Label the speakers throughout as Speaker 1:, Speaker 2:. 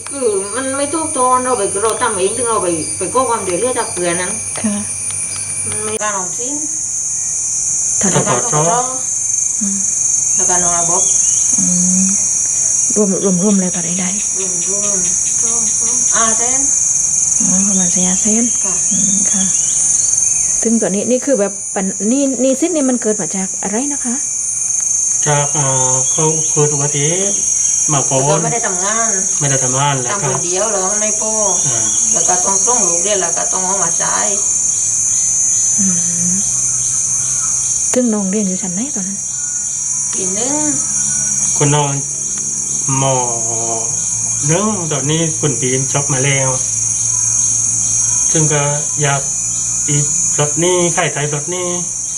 Speaker 1: คือมันไม่ทุกตอนเราทำเองถึงเราไปก็ความเดือดเรียกจากเกลือนั้น
Speaker 2: ค่ะ
Speaker 1: มันไม่การออกสิ้น
Speaker 2: ถ้า
Speaker 1: แล้ว
Speaker 2: ได้
Speaker 1: การต้องรอ
Speaker 2: อืม
Speaker 1: แล้วการนอนระบบ
Speaker 2: อืมรวมเลยก็ได้
Speaker 1: รวมแทน
Speaker 2: อ๋อประมาณ400,000
Speaker 1: ค่ะ
Speaker 2: ค่ะซึ่งตัวนี้นี่คือแบบปัญนี่ซิดนี่มันเกิดมาจากอะไรนะคะ
Speaker 3: จากเขาเกิดอุบัติเหตุมาก่อ
Speaker 1: เรา
Speaker 3: น
Speaker 1: ไม่ได้ทำงาน
Speaker 3: ไม่ได้ทำงานแล้ว
Speaker 1: ทำ
Speaker 3: ก็
Speaker 1: คนเดียวแล้วมันไม่พอ
Speaker 3: อ่า
Speaker 1: แล้วก็ต้องส่งลูกเรียนแล้วก็ต้องเอามาใช้
Speaker 2: อืมซึ่งน้องเรียนอยู่ชั้นไหนตอนนั้น
Speaker 1: ปีหนึง
Speaker 3: คุณน้องหมอเรื่องตอนนี้คุณปีนจบมาแล้ว ซึ่งก็อยากอีกรถนี้ค่ายไทยรถนี้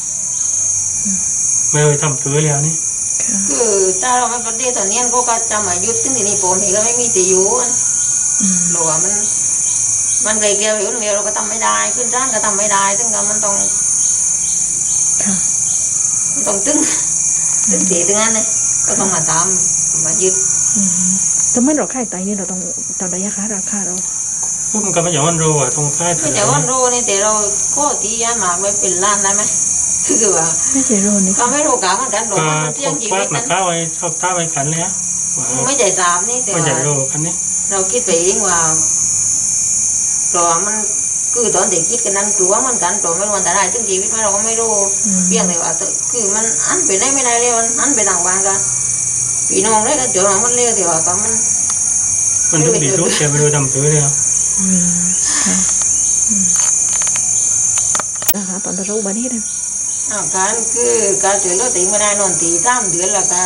Speaker 3: ไม่เคยทำคือแล้วนี่
Speaker 2: ค่ะ
Speaker 1: คือถ้าเราไม่ประเดี๋ยวตอนนี้ก็จะมายุดถึงที่นี่ผมเองก็ไม่มีตีอยู่
Speaker 2: อืม
Speaker 1: หรือว่ามันเกี่ยวอยู่เดียวเราก็ทำไม่ได้ขึ้นร้านก็ทำไม่ได้ถึงกับมันต้อง
Speaker 2: ค่ะ
Speaker 1: ตึงตีถึงนั้นเลยก็ต้องมาทำมายึด
Speaker 2: อืมแต่เมื่อเราค่ายไตนี่เราต้องตามระยะราคาเรา
Speaker 3: ผมก็ไม่อยากมันรู้ว่าตรงค่ายไท
Speaker 1: ไม่
Speaker 3: ย
Speaker 1: แต่ว่าโรนี่แต่เราก็ตียามากไม่เป็นล้านได้ไหมคือว่า
Speaker 2: ไม่ใช่โรนนี่
Speaker 1: ก็ไม่รู้กามันกันหรอก
Speaker 3: ก็
Speaker 1: มันเที่ยงชี
Speaker 3: ควั
Speaker 1: วิ
Speaker 3: ก
Speaker 1: ต
Speaker 3: หนั
Speaker 1: นั้
Speaker 3: ก
Speaker 1: น
Speaker 3: ข้าวไว้ชอบท่าไว้กันแล้วว่า
Speaker 1: ไม่ใจสามนี่แต่
Speaker 3: ไม่ใช่
Speaker 1: ว่า
Speaker 3: รู้คันนี้
Speaker 1: เราคิดไปเองว่าเพราะว่ามันคือตอนเด็กคิดกันนั้นกลัวมันกันเพราะไม่รู้วันแต่ได้ถึงชีวิตไหมเราก็ไม่รู้เพียงแต่ว่าคือมันอันไปได้ไม่ได้เลยมันอันไปต่างบ้านกันพี่น้องได้ก็เจอมันเร็วแต่ว่าก็มัน
Speaker 3: ทุกดีทุกแต่ไม่รู้ทำคือแล้ว
Speaker 2: อืมค่ะอืมนะคะตอนเราอุบัติเหตุนั้น
Speaker 1: การคือการช่วยเหลือตีไม่ได้นอนตี3 เดือนแล้วก็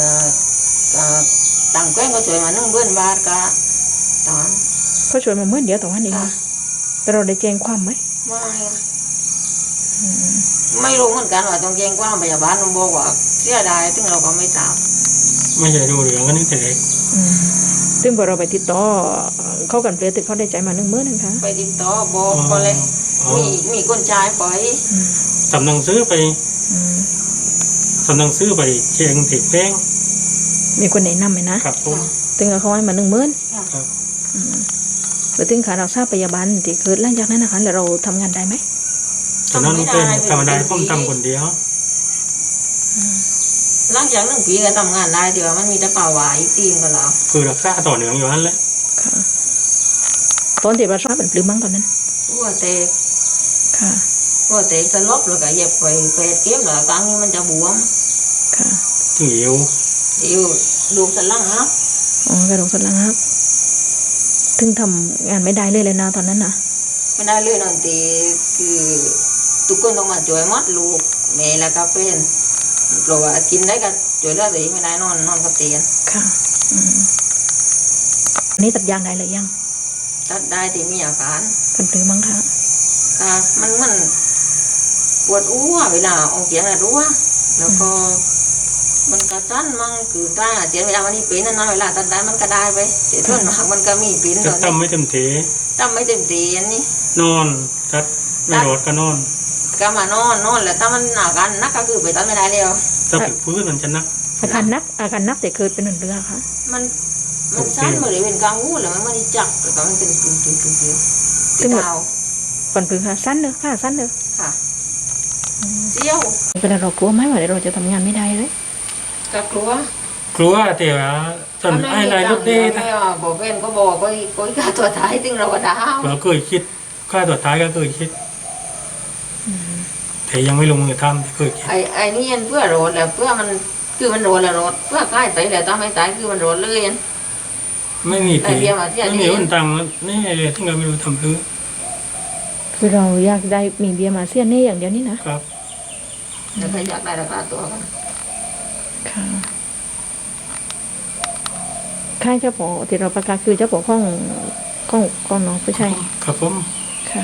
Speaker 1: ต่างแกล้งก็ช่วยมา1,000 บาทก็ตอน
Speaker 2: เขาช่วยมาเมื่อเดียวต่อวันเอง
Speaker 1: ค่ะ
Speaker 2: นะแต่เราได้แจ้งความไหม
Speaker 1: ไม่ไม่รู้เหมือนกันว่าต้องแจ้งความพยาบาลมันบอกว่าเสียดายถึงเราก็ไม่ทราบ
Speaker 3: ไม่ใช่รู้เรื่องกันนี่แต่เด็ก
Speaker 2: อืมซึ่งพอเราไปติดต่อเขากันเปลี่ยนติดเขาได้ใจมา10,000นะคะ
Speaker 1: ไปติดต่อบอกก็เลยมีคนชายปล่อย
Speaker 2: อืม
Speaker 3: ทำหนังสือไป
Speaker 2: อืม
Speaker 3: ทำหนังสือไปเชียงติดแป้ง
Speaker 2: มีคนแนะนำไหมนะครับ
Speaker 3: ผม
Speaker 2: ถึงเขาให้มา10,000
Speaker 3: ครับ
Speaker 2: แล้วถึงขารักษาพยาบาลที่เกิดหลังจากนั้นนะคะแล้วเราทำงานได้ไหม
Speaker 3: ตอนนั้นเป็นธรรมดาผมทำคนเดียว
Speaker 1: หลังจาก1 ปีก็ทำงานได้แต่ว่ามันมีแต่ป่าหวายอีกทีก็แล้ว
Speaker 3: คือรักษาต่อเนื่องอยู่นั่นแหละ
Speaker 2: ค่ะตอนที่เราทราบเป็นปลื้มมั้งตอนนั้น
Speaker 1: หัวแตก
Speaker 2: ค่ะ
Speaker 1: สลบแล้วก็เย็บไปเก็บแล้วครั้งนี้มันจะบวม
Speaker 2: ค่ะ
Speaker 3: ถึงหิว
Speaker 1: อยู่ดูสันหลังครับ
Speaker 2: อ๋อกระดูกสันหลังครับถึงทำงานไม่ได้เลยนะตอนนั้นนะ
Speaker 1: ไม่ได้เลยนอนตีคือทุกคนต้องมาช่วยหมัดลูกแม่และก็เพื่อนเพราะว่ากินได้ก็ช่วยเหลือตัวเองไม่ได้นอนกับเตียง
Speaker 2: ค่ะอืมอันนี้ตัดยางได้เลยยัง
Speaker 1: ตัดได้ที่มีอาการ
Speaker 2: เป็นปลื้มมั้งคะ
Speaker 1: ก็มันปวดอ้วเวลาออกเสียงอะรู้ว่าแล้วก็มันกระชั้นมั่งคือถ้าเสียเวลาวันนี้เป็นนั่นนะเวลาตัดได้มันก็ได้ไปแต่ส่วนมากมันก็มีเป็น
Speaker 3: จะ
Speaker 1: ตอน
Speaker 3: ทำ
Speaker 1: นี้
Speaker 3: ไม่เต็มที
Speaker 1: ตั้มไม่เต็มตีอันนี้
Speaker 3: นอนจัดไม่รอดก็นอน
Speaker 1: ก็มานอนแล้วถ้ามันอาการนักก็คือไปตัดไม่ได้แล้ว
Speaker 3: ถ้าถึงพื้นมันจะนัก
Speaker 2: อาการนักแต่เกิดเป็นเรือค่ะ
Speaker 1: มันสั้นเหมือนเป็นกลางวูแล้วมันไม่ได้จับแต่ก็มันเป็นกึ่งตีเท้า
Speaker 2: ก่อนปลื้มค่ะสั้นเลยค่ะสั้นเลย
Speaker 1: ค่ะเจียว
Speaker 2: เป็นเรากลัวไหมว่าเราจะทำงานไม่ได้เลย
Speaker 1: ก็กลัว
Speaker 3: กลัวแต่ว่าจนไอ้ลายรถเด้
Speaker 1: ไม่ว่าบอกเป็นก็บอกก็ฆ่าตัวตายถึงเราก็ดาว
Speaker 3: เราเคยคิดค่าตัวท้ายก็เคยคิดแต่ยังไม่ลงมือทำแต่เคยคิด
Speaker 1: ไอ้นี่เพื่อโรดแล้วเพื่อมันคือมันโรดแล้วโรดเพื่อใกล้ไปแล้วถ้าไม่ตายคือมันโรดเลย
Speaker 3: ไม่มี
Speaker 1: ไอเดียมาที่
Speaker 3: ไม่มีคนตังค์นี่เลยที่เราไม่รู้ทำพื้น
Speaker 2: คือเราอยากได้มีเบียร์มาเซียนนี่อย่างเดียวนี่นะครับ
Speaker 1: แล้วก็อยากได้ราคาตัวกัน
Speaker 2: ค่ะค่ายเจ้าปอที่เราประกาศคือเจ้าปอข้องน้องผู้ชาย
Speaker 3: ครับผม
Speaker 2: ค่ะ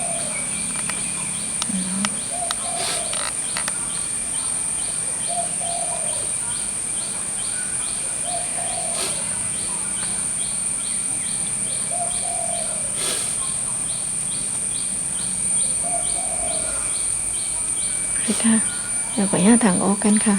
Speaker 2: ค่ะเราไปหาทางออกกันค่ะ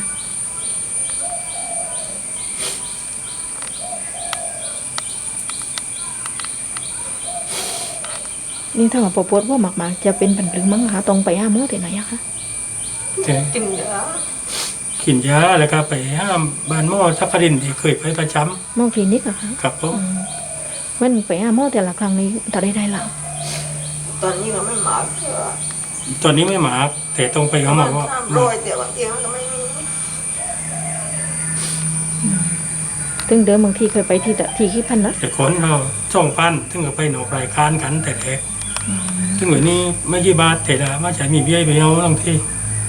Speaker 2: นี่ถ้าว่าปวดว่ามากๆจะเป็นปันปลึงมั้งคะตรงไปหาหมอที่ไหนอะคะ
Speaker 3: แต่
Speaker 1: จริงเหรอ
Speaker 3: กินยาแล้วก็ไปห้ามบ้านหมอทักรินที่เคยไปประจ
Speaker 2: หมอคลินิกอะคะ
Speaker 3: ำครับผม
Speaker 2: มันไปหาหมอแต่ละครั้งนี้ต่อได้หลัง
Speaker 1: ตอนนี้ก็ไม่มาเชื่อ
Speaker 3: ตอนนี้ไม่มาแต่ต้องไปเขาบอกว่า
Speaker 1: โรยแต่บางทีมันก็ไม่มี
Speaker 2: ซึ่งเดิมบางทีเคยไปที่ขี้พันนะ
Speaker 3: แต่คนเราช่องพันถึงก็ไปหนอกรายการกันแต่แรกถึงวันนี้ไม่กี่บาทแต่ละมาใช้มีเบี้ยไปเอาบางที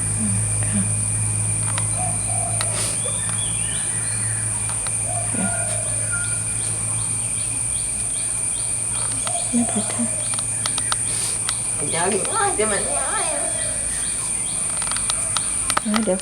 Speaker 2: ไม่พอค่ะ
Speaker 1: อยากกินง่ายแต่มันง่าย
Speaker 2: เดี๋ยว